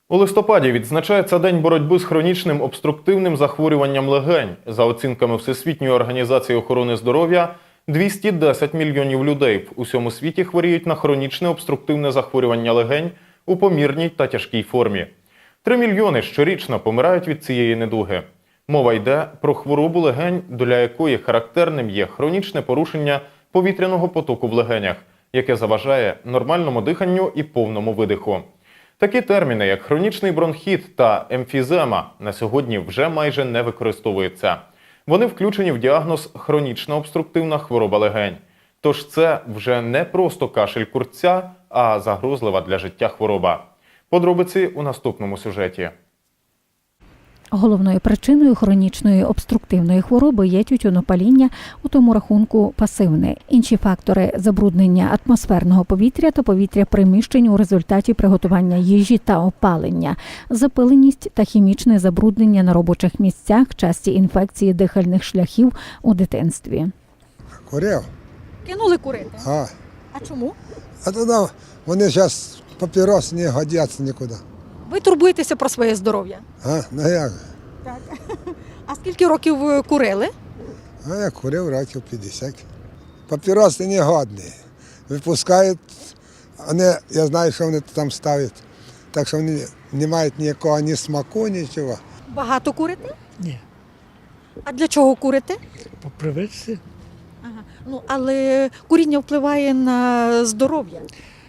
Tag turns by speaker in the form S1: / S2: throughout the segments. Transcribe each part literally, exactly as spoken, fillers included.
S1: У листопаді відзначається День боротьби з хронічним обструктивним захворюванням легень. За оцінками Всесвітньої організації охорони здоров'я, двісті десять мільйонів людей в усьому світі хворіють на хронічне обструктивне захворювання легень у помірній та тяжкій формі. Три мільйони щорічно помирають від цієї недуги. Мова йде про хворобу легень, для якої характерним є хронічне порушення повітряного потоку в легенях, яке заважає нормальному диханню і повному видиху. Такі терміни, як хронічний бронхіт та емфізема, на сьогодні вже майже не використовуються. Вони включені в діагноз хронічна обструктивна хвороба легень. Тож це вже не просто кашель курця, а загрозлива для життя хвороба. Подробиці у наступному сюжеті.
S2: Головною причиною хронічної обструктивної хвороби є тютюнопаління, у тому рахунку пасивне. Інші фактори – забруднення атмосферного повітря та повітря приміщень у результаті приготування їжі та опалення, запиленість та хімічне забруднення на робочих місцях, часті інфекції дихальних шляхів у дитинстві.
S3: Курив.
S4: Кинули курити?
S3: А,
S4: А чому?
S3: а тоді вони зараз папірос не годяться нікуди.
S4: Ви турбуєтеся про своє здоров'я?
S3: А, ну як?
S4: Так. А скільки років ви курили?
S3: А я курив років п'ятдесят. Папіроси не годні. Випускають, вони, я знаю, що вони там ставлять. Так що вони не мають ніякого ні смаку, нічого.
S4: Багато курите?
S5: Ні,
S4: А для чого курите?
S5: по привичці.
S4: Ага. Ну, але куріння впливає на здоров'я.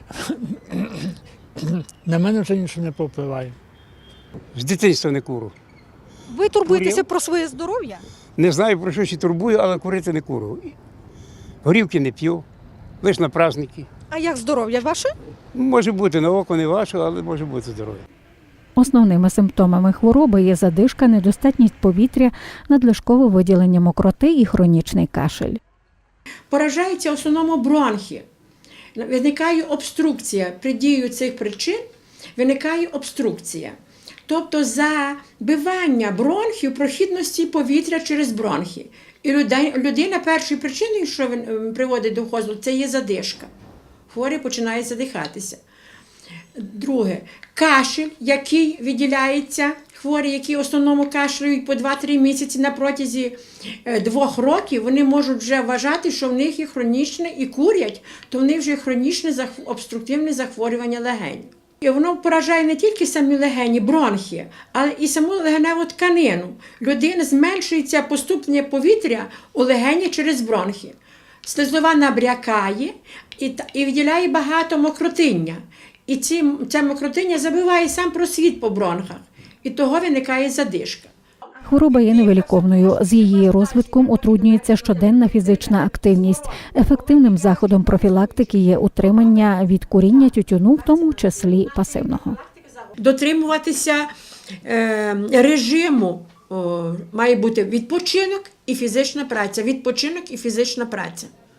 S5: На мене вже нічого не повпливає.
S6: З дитинства не курю.
S4: Ви турбуєтеся
S6: Курив.
S4: про своє здоров'я?
S6: Не знаю, про що ще турбую, але курити не курю. Горівки не п'ю, лише на праздники.
S4: А як здоров'я ваше?
S6: Може бути, на око не ваше, але може бути здоров'я.
S2: Основними симптомами хвороби є задишка, недостатність повітря, надлишкове виділення мокроти і хронічний кашель.
S7: Поражаються в основному бронхи. Виникає обструкція. При дії цих причин виникає обструкція. Тобто забивання бронхів прохідності повітря через бронхи. І людина першою причиною, що приводить до хозу, це є задишка. Хворий починає задихатися. Друге, кашель, який виділяється, хворі, які в основному кашляють по два-три місяці на протязі двох років, вони можуть вже вважати, що в них є хронічне і курять, то в них вже хронічне обструктивне захворювання легень. І воно поражає не тільки самі легені, бронхи, але і саму легеневу тканину. Людина зменшується поступлення повітря у легені через бронхи. Слизова набрякає і, і виділяє багато мокротиння. І ці, ця мокротиння забиває сам просвіт по бронхах. І того виникає задишка.
S2: Хвороба є невиліковною. З її розвитком утруднюється щоденна фізична активність. Ефективним заходом профілактики є утримання від куріння тютюну, в тому числі пасивного.
S7: Дотримуватися е, режиму о, має бути відпочинок і фізична праця. Відпочинок і фізична праця.